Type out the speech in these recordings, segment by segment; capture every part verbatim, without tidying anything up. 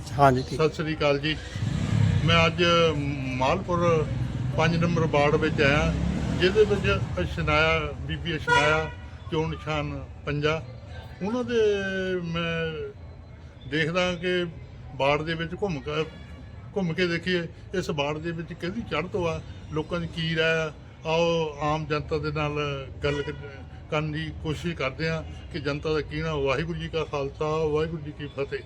हाँ जी ठीक। सत श्री अकाल जी। मैं अज मालपुर पाँच नंबर वार्ड में आया जिहदे विच अशनाया बीबी अशनाया चोण निशान पंजा उन्होंने मैं देखदा कि वार्ड दे विच घुम के घुम के देखिए इस वार्ड दे विच किहदी चढ़त आ लोकां दी की राय आ। आओ आम जनता दे नाल गल करन दी कोशिश करते हैं कि जनता का की ना। वाहिगुरू जी का खालसा वाहिगुरू जी की फतेह।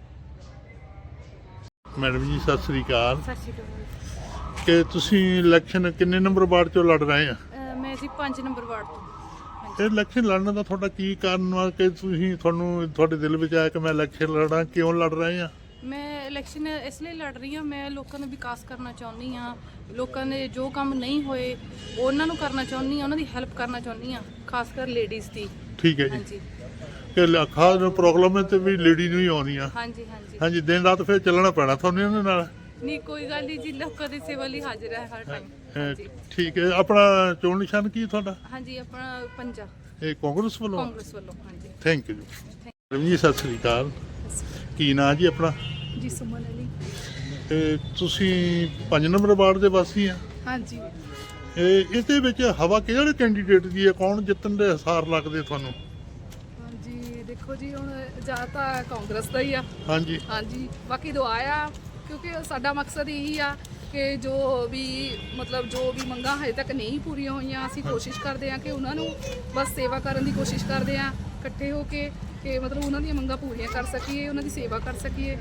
मैडम जी सत श्री अकाल। सत श्री अकाल। कि तुसीं इलैक्शन किन्ने नंबर वार्ड चों लड़ रहे हैं? ਅਹ ਮੈਂ ਜੀ ਪੰਜ ਨੰਬਰ ਵਾਰਡ ਤੋਂ। ਇਹ ਇਲੈਕਸ਼ਨ ਲੜਨ ਦਾ ਤੁਹਾਡਾ ਕੀ ਕਾਰਨ ਵਾ ਕਿ ਤੁਸੀਂ ਤੁਹਾਨੂੰ ਤੁਹਾਡੇ ਦਿਲ ਵਿੱਚ ਆਇਆ ਕਿ ਮੈਂ ਇਲੈਕਸ਼ਨ ਲੜਾਂ? ਕਿਉਂ ਲੜ ਰਹੇ ਆ? ਮੈਂ ਇਲੈਕਸ਼ਨ ਇਸ ਲਈ ਲੜ ਰਹੀ ਹਾਂ, ਮੈਂ ਲੋਕਾਂ ਦਾ ਵਿਕਾਸ ਕਰਨਾ ਚਾਹੁੰਦੀ ਹਾਂ। ਲੋਕਾਂ ਦੇ ਜੋ ਕੰਮ ਨਹੀਂ ਹੋਏ ਉਹਨਾਂ ਨੂੰ ਕਰਨਾ ਚਾਹੁੰਦੀ ਹਾਂ, ਉਹਨਾਂ ਦੀ ਹੈਲਪ ਕਰਨਾ ਚਾਹੁੰਦੀ ਹਾਂ, ਖਾਸ ਕਰ ਲੇਡੀਜ਼ ਦੀ। ਠੀਕ ਹੈ ਜੀ। ਹਾਂਜੀ ਕਿ ਖਾਸ ਨੂੰ ਪ੍ਰੋਬਲਮ ਹੈ ਤੇ ਵੀ ਲੇਡੀ ਨੂੰ ਹੀ ਆਉਂਦੀਆਂ। ਹਾਂਜੀ ਹਾਂਜੀ ਹਾਂਜੀ ਦਿਨ ਰਾਤ ਫਿਰ ਚੱਲਣਾ ਪੈਣਾ ਤੁਹਾਨੂੰ ਇਹਨਾਂ ਨਾਲ। ਨਹੀਂ ਕੋਈ ਗੱਲ ਨਹੀਂ ਜੀ, ਲੋਕਾਂ ਦੀ ਸੇਵਾ ਲਈ ਹਾਜ਼ਰ ਹੈ ਹਰ ਟਾਈਮ। ਅਹ, ਹਾਂਜੀ ਠੀਕ ਹੈ। ਆਪਣਾ ਚੋਣ ਨਿਸ਼ਾਨ ਕੀ ਤੁਹਾਡਾ? ਹਾਂਜੀ ਆਪਣਾ ਪੰਜਾ ਇਹ ਕਾਂਗਰਸ ਵੱਲੋਂ? ਕਾਂਗਰਸ ਵੱਲੋਂ। ਹਾਂਜੀ ਥੈਂਕ ਯੂ ਜੀ। ਮੈਡਮ ਜੀ ਸਤਿ ਸ੍ਰੀ ਅਕਾਲ। ਕੀ ਨਾਂ ਜੀ ਆਪਣਾ? ਜੀ ਸੁਮਨ ਅਲੀ। ਤੇ ਤੁਸੀਂ ਪੰਜ ਨੰਬਰ ਵਾਰਡ ਦੇ ਵਾਸੀ ਆ? ਹਾਂਜੀ ਇਹ ਇਹਦੇ ਵਿੱਚ ਹਵਾ ਕਿਹੜੇ ਕੈਂਡੀਡੇਟ ਦੀ ਹੈ? ਕੌਣ ਜਿੱਤਣ ਦੇ ਹਸਾਰ ਲੱਗਦੇ ਤੁਹਾਨੂੰ? ਹਾਂਜੀ ਦੇਖੋ ਜੀ, ਹੁਣ ਜਾਂ ਤਾਂ ਕਾਂਗਰਸ ਦਾ ਹੀ ਆ। ਹਾਂਜੀ ਹਾਂਜੀ ਬਾਕੀ ਦੁਆ ਆ, ਕਿਉਂਕਿ ਸਾਡਾ ਮਕਸਦ ਇਹੀ ਆ ਕਿ ਜੋ ਵੀ ਮਤਲਬ ਜੋ ਵੀ ਮੰਗਾਂ ਹਜੇ ਤੱਕ ਨਹੀਂ ਪੂਰੀਆਂ ਹੋਈਆਂ, ਅਸੀਂ ਕੋਸ਼ਿਸ਼ ਕਰਦੇ ਆ ਕਿ ਉਹਨਾਂ ਨੂੰ ਬਸ ਸੇਵਾ ਕਰਨ ਦੀ ਕੋਸ਼ਿਸ਼ ਕਰਦੇ ਆ ਇਕੱਠੇ ਹੋ ਕੇ, ਕਿ ਮਤਲਬ ਉਹਨਾਂ ਦੀਆਂ ਮੰਗਾਂ ਪੂਰੀਆਂ ਕਰ ਸਕੀਏ, ਉਹਨਾਂ ਦੀ ਸੇਵਾ ਕਰ ਸਕੀਏ।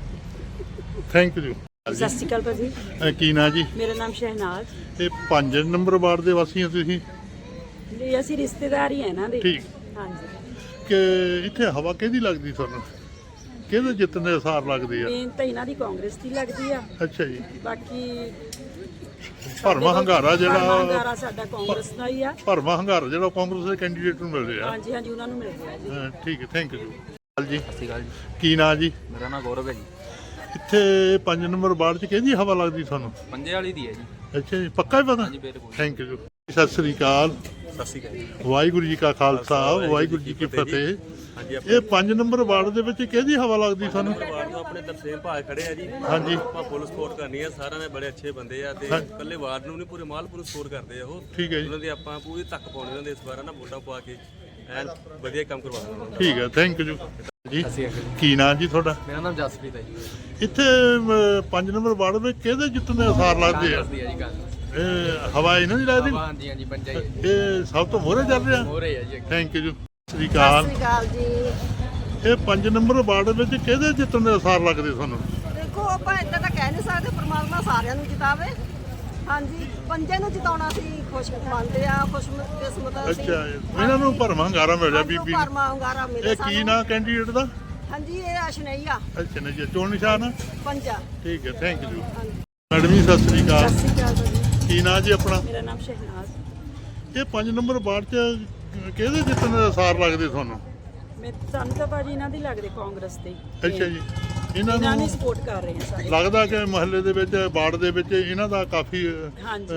Thank you. ਸਤਿ ਸ਼੍ਰੀ ਅਕਾਲ ਭਾਜੀ। ਅਹ ਕੀ ਨਾਂ ਜੀ? ਮੇਰਾ ਨਾਮ ਸ਼ਹਿਨਾਜ਼। ਇਹ ਪੰਜ ਨੰਬਰ ਵਾਰਡ ਦੇ ਵਾਸੀ ਆ ਤੁਸੀਂ? ਜੀ ਅਸੀਂ ਰਿਸ਼ਤੇਦਾਰ ਹੀ ਆ ਇਹਨਾਂ ਦੇ। ਠੀਕ। ਹਾਂਜੀ ਕਿ ਇੱਥੇ ਹਵਾ ਕਿਹਦੀ ਲੱਗਦੀ ਤੁਹਾਨੂੰ? ਕਿਹਦੇ ਜਿੱਤਣ ਦੇ ਹਸਾਰ ਲੱਗਦੇ ਆ? ਮੇਨ ਤਾਂ ਇਹਨਾਂ ਦੀ ਕਾਂਗਰਸ ਦੀ ਲੱਗਦੀ ਆ। ਅੱਛਾ ਜੀ। ਬਾਕੀ ਭਰਵਾਂ ਹੰਗਾਰਾ ਭਰਵਾਂ ਜਿਹੜਾ ਹੰਗਾਰਾ ਸਾਡਾ ਕਾਂਗਰਸ ਦਾ ਹੀ ਆ। ਭਰਵਾਂ ਹੰਗਾਰਾ ਜਿਹੜਾ ਕਾਂਗਰਸ ਦੇ ਕੈਂਡੀਡੇਟ ਨੂੰ ਮਿਲ ਰਿਹਾ। ਹਾਂਜੀ ਹਾਂਜੀ ਉਹਨਾਂ ਨੂੰ ਮਿਲ ਰਿਹਾ ਜੀ। ਹਾਂ, ਠੀਕ ਹੈ। ਥੈਂਕ ਯੂ ਜੀ। ਸਤਿ ਸ਼੍ਰੀ ਅਕਾਲ ਜੀ। ਕੀ ਨਾਂ ਜੀ? ਮੇਰਾ ਨਾਮ ਗੌਰਵ ਹੈ ਜੀ। ਇੱਥੇ ਪੰਜ ਨੰਬਰ ਵਾਰਡ 'ਚ ਕਿਹਦੀ ਹਵਾ ਲੱਗਦੀ ਤੁਹਾਨੂੰ? ਪੰਜੇ ਵਾਲੀ ਦੀ ਹੈ ਜੀ। ਅੱਛਾ ਜੀ, ਪੱਕਾ ਹੀ ਪਤਾ? ਹਾਂਜੀ ਬਿਲਕੁਲ। Thank you. ਸਤਿ ਸ੍ਰੀ ਅਕਾਲ। ਸਤਿ ਸ਼੍ਰੀ ਅਕਾਲ ਜੀ। ਵਾਹਿਗੁਰੂ ਜੀ ਕਾ ਖਾਲਸਾ ਵਾਹਿਗੁਰੂ ਜੀ ਕੀ ਫਤਿਹ। ਹਾਂਜੀ ਇਹ ਪੰਜ ਨੰਬਰ ਵਾਰਡ ਦੇ ਵਿੱਚ ਕਿਹਦੀ ਹਵਾ ਲੱਗਦੀ ਤੁਹਾਨੂੰ? ਵਾਰਡ ਤੋਂ ਆਪਣੇ ਤਰਸੇਮ ਭਾਅ ਖੜੇ ਆ ਜੀ। ਹਾਂਜੀ। ਆਪਾਂ ਫੁੱਲ ਸਪੋਰਟ ਕਰਨੀ ਆ, ਸਾਰਿਆਂ ਨੇ ਬੜੇ ਅੱਛੇ ਬੰਦੇ ਆ ਤੇ ਇਕੱਲੇ ਵਾਰਡ ਨੂੰ ਨਹੀਂ ਪੂਰੇ ਮਾਲਪੁਰ ਨੂੰ ਸਪੋਰਟ ਕਰਦੇ ਆ ਉਹ। ਠੀਕ ਹੈ ਜੀ। ਉਹਨਾਂ ਦੀ ਆਪਾਂ ਪੂਰੀ ਤੱਕ ਪਾਉਣੀ ਉਹਨਾਂ ਦੇ ਇਸ ਵਾਰ ਨਾ ਵੋਟਾਂ ਪਵਾ ਕੇ ਐਨ ਵਧੀਆ ਕੰਮ ਕਰਵਾਉਣਾ ਉਹਨਾਂ ਦਾ। ਠੀਕ ਹੈ। ਥੈਂਕ ਯੂ ਜੀ। ਕੀ ਨਾਂ ਜੀ ਤੁਹਾਡਾ? ਮੇਰਾ ਨਾਮ ਜਸਪ੍ਰੀਤ ਹੈ ਜੀ। ਇੱਥੇ ਅਮ, ਪੰਜ ਨੰਬਰ ਵਾਰਡ ਵਿੱਚ ਕਿਹਦੇ ਜਿੱਤਣ ਦੇ ਅਸਾਰ ਲੱਗਦੇ ਆ? ਦੱਸਦੀ ਹੈ ਜੀ ਗੱਲ। ਇਹ ਹਵਾ ਇਹਨਾਂ ਦੀ ਲੱਗਦੀ? ਹਾਂਜੀ ਹਾਂਜੀ ਪੰਜਾ ਹੀ ਇਹ ਸਭ ਤੋਂ ਮੋਹਰੇ ਚੱਲ ਰਿਹਾ? ਹੋ ਰਹੀ ਹੈ ਜੀ। Thank you. ਸਤਿ ਸ੍ਰੀ ਅਕਾਲ। ਸਤਿ ਸ਼੍ਰੀ ਅਕਾਲ ਜੀ। ਇਹ ਪੰਜ ਨੰਬਰ ਵਾਰਡ ਵਿੱਚ ਕਿਹਦੇ ਜਿੱਤਣ ਦੇ ਅਸਾਰ ਲੱਗਦੇ ਤੁਹਾਨੂੰ? ਦੇਖੋ ਆਪਾਂ ਇੱਦਾਂ ਤਾਂ ਕਹਿ ਨਹੀਂ ਸਕਦੇ, ਪਰਮਾਤਮਾ ਸਾਰਿਆਂ ਨੂੰ ਜਿਤਾਵੇ। ਹਾਂਜੀ ਪੰਜੇ ਨੂੰ ਜਿਤਾਉਣਾ ਸੀ ਖੁਸ਼ ਮੰਨਦੇ ਆ, ਖੁਸ਼ਕਿਸਮਤ ਅਸੀਂ। ਅੱਛਾ, ਇਹਨਾਂ ਨੂੰ ਭਰਵਾਂ ਹੰਗਾਰਾ ਮਿਲ ਰਿਹਾ ਬੀਬੀ ਨੂੰ। ਭਰਮਾ ਹੰਗਾਰਾ ਮਿਲੇ ਇਹ ਕੀ ਨਾਂ ਕੈਂਡੀਡੇਟ ਦਾ? ਹਾਂਜੀ ਇਹ ਅਸ਼ਨਈਆ ਅੱਛਾ ਨਾ ਜੀ, ਚੋਣ ਨਿਸ਼ਾਨ ਆ? ਪੰਜਾ। ਠੀਕ ਹੈ। ਥੈਂਕ ਯੂ ਮੈਡਮ ਜੀ। ਸਤਿ ਸ੍ਰੀ ਅਕਾਲ। ਸਤਿ ਸ਼੍ਰੀ ਅਕਾਲ ਭਾਜੀ। ਕੀ ਨਾਂ ਜੀ ਆਪਣਾ? ਮੇਰਾ ਨਾਮ ਸ਼ਹਿਨਾਜ਼। ਇਹ ਪੰਜ ਨੰਬਰ ਵਾਰਡ 'ਚ ਕਿਹਦੇ ਜਿੱਤਣ ਦੇ ਅਸਾਰ ਲੱਗਦੇ ਤੁਹਾਨੂੰ? ਮੈਂ ਸਾਨੂੰ ਤਾਂ ਭਾਜੀ ਇਹਨਾਂ ਦੀ ਲੱਗਦੇ ਕਾਂਗਰਸ ਦੇ। ਅੱਛਾ ਜੀ। ਇਹਨਾਂ ਇਹਨਾਂ ਨੂੰ ਨੂੰ ਸਪੋਰਟ ਕਰ ਰਹੇ ਆ ਸਾਰੇ। ਲੱਗਦਾ ਕਿ ਮਹੱਲੇ ਦੇ ਵਿੱਚ ਵਾਰਡ ਦੇ ਵਿੱਚ ਇਹਨਾਂ ਦਾ ਕਾਫੀ ਹਾਂਜੀ।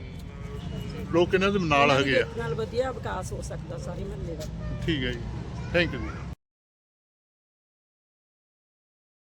ਅਹ, ਲੋਕ ਇਹਨਾਂ ਦੇ ਨਾਲ ਹੈਗੇ ਆ। ਨਾਲ ਵਧੀਆ ਵਿਕਾਸ ਹੋ ਸਕਦਾ ਸਾਰੇ ਮਹੱਲੇ ਦਾ। ਠੀਕ ਹੈ ਜੀ। Thank you.